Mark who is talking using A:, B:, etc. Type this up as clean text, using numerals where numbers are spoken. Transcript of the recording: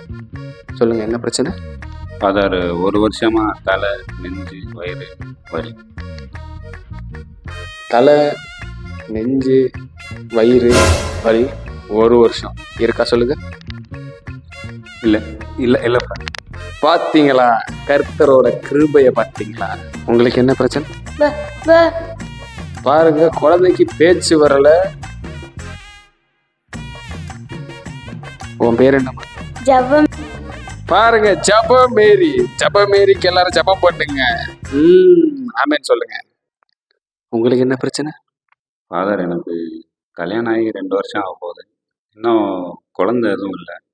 A: சொல்லுங்க, என்ன பிரச்சனை?
B: ஃபாதர், ஒரு வருஷமா தலை, நெஞ்சு, வயிறு வலி.
A: தலை, நெஞ்சு, வயிறு வலி 1 வருஷம் இருக்கா? சொல்லுங்க.
B: இல்லை இல்லை இல்லை ஃபாதர்.
A: பார்த்தீங்களா, கர்த்தரோட கிருபையை பார்த்தீங்களா? உங்களுக்கு என்ன பிரச்சனை பாருங்க. குழந்தைக்கு பேச்சு வரல. உன் பேர் என்னம்மா?
C: ஜெபம்.
A: பாருங்க, ஜெபமேரி. ஜெபமேரிக்கு எல்லாரும் ஜெபம் பண்ணுங்க. ஆமென் சொல்லுங்க. உங்களுக்கு என்ன பிரச்சனை?
B: ஃபாதர், எனக்கு கல்யாணம் ஆகி 2 வருஷம் ஆக போகுது. இன்னும் குழந்தை எதுவும் இல்லை.